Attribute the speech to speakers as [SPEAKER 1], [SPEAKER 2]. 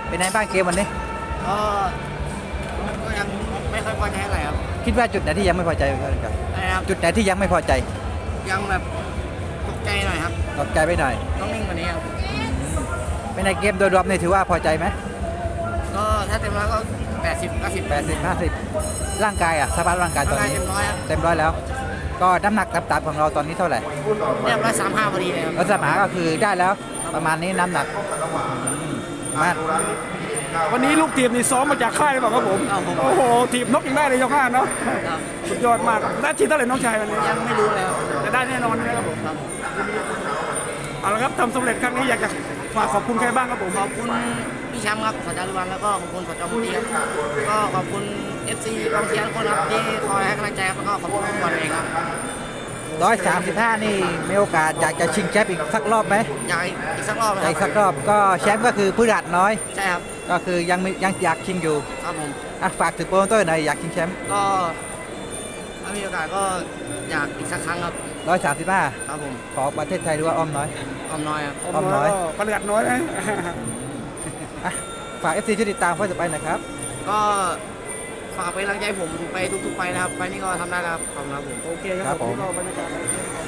[SPEAKER 1] เป็นไงบ้างเกมวันนี้
[SPEAKER 2] ก็ก็ยังไม่ค่อยพอใจเท่าไหร่ครับ
[SPEAKER 1] คิดว่าจุดไหนที่ยังไม่พอใจครับ
[SPEAKER 2] นะครับ
[SPEAKER 1] จุดไหนที่ยังไม่พอใจ
[SPEAKER 2] ยังแบบตกใจหน่อยครับ
[SPEAKER 1] ตกใจไปหน่อย
[SPEAKER 2] ต้องนิ่งกว่านี้ครับ
[SPEAKER 1] เป็นในเกมโดยรวมนี่ถือว่าพอใจไหม
[SPEAKER 2] ก็ถ้าเต็มร้อยก็80
[SPEAKER 1] ร่างกายสภาพร่างกายตอนนี้
[SPEAKER 2] เต็มร้อยครับ
[SPEAKER 1] เต็มร้อยแล้ว ก็น้ำหนักต่ำๆของเราตอนนี้เท่าไหร่
[SPEAKER 2] เรียบ135พอดีเลยครับ
[SPEAKER 1] ลักษณะก็คือได้แล้วประมาณนี้น้ำหนักมาก
[SPEAKER 3] วันนี้ลูกทีมนี่ซ้อมมาจากค่ายหรือเปล่าครับผมโอ้โหทีมนกยังได้เลยยกห้าเนาะสุดยอดมากได้ทีเท่าไหร่น้องชายวันนี้
[SPEAKER 2] ยังไม่รู้เลยครับ
[SPEAKER 3] จะได้แน่นอนนะครับผมเอาละครับทำสำเร็จครั้งนี้อยากจะฝากขอบคุณใครบ้างครับผม
[SPEAKER 2] ขอบคุณพี่แชมป์ครับสัจจารุวันแล้วก็ขอบคุณสจมุตีครับก็ขอบคุณ FC กองเชียร์ทุกคนครับที่คอยให้กำลังใจครับแล้วก็ขอบคุณทุกคนเองครับ
[SPEAKER 1] 135นี่มีโอกาสอยากจะชิงแชมป์อีกสักรอบไหม
[SPEAKER 2] อยากอีกสักรอบ
[SPEAKER 1] อีกสักรอบก็แชมป์ก็คือผู้ดัดน้อย
[SPEAKER 2] ใช่ครับ
[SPEAKER 1] ก็คือยังอยากชิงอยู่
[SPEAKER 2] ครับผม
[SPEAKER 1] ฝากถึงโปรโมเตอร์หน่อยอยากชิงแชมป์
[SPEAKER 2] ก็ถ้ามีโอกาสก็อยากอีกสักครั้งครับ
[SPEAKER 1] 135
[SPEAKER 2] ครับผม
[SPEAKER 1] ขอประเทศไทยหรือว่าอ้อมน้อย
[SPEAKER 2] อ้อมน้อยครับ
[SPEAKER 1] อ้อมน้อย
[SPEAKER 3] ประหยัดน้อยนะ
[SPEAKER 1] ฝาก FC ช่วยติดตามไฟต่อไปนะครับ
[SPEAKER 2] ก็ฝากเป็นกำลังใจผมไปทุกๆไฟนะครับไฟนี้ก็ทำได้แล้วครับขอบคุณครับผม
[SPEAKER 3] โอเคครับผมก็บรรยากาศ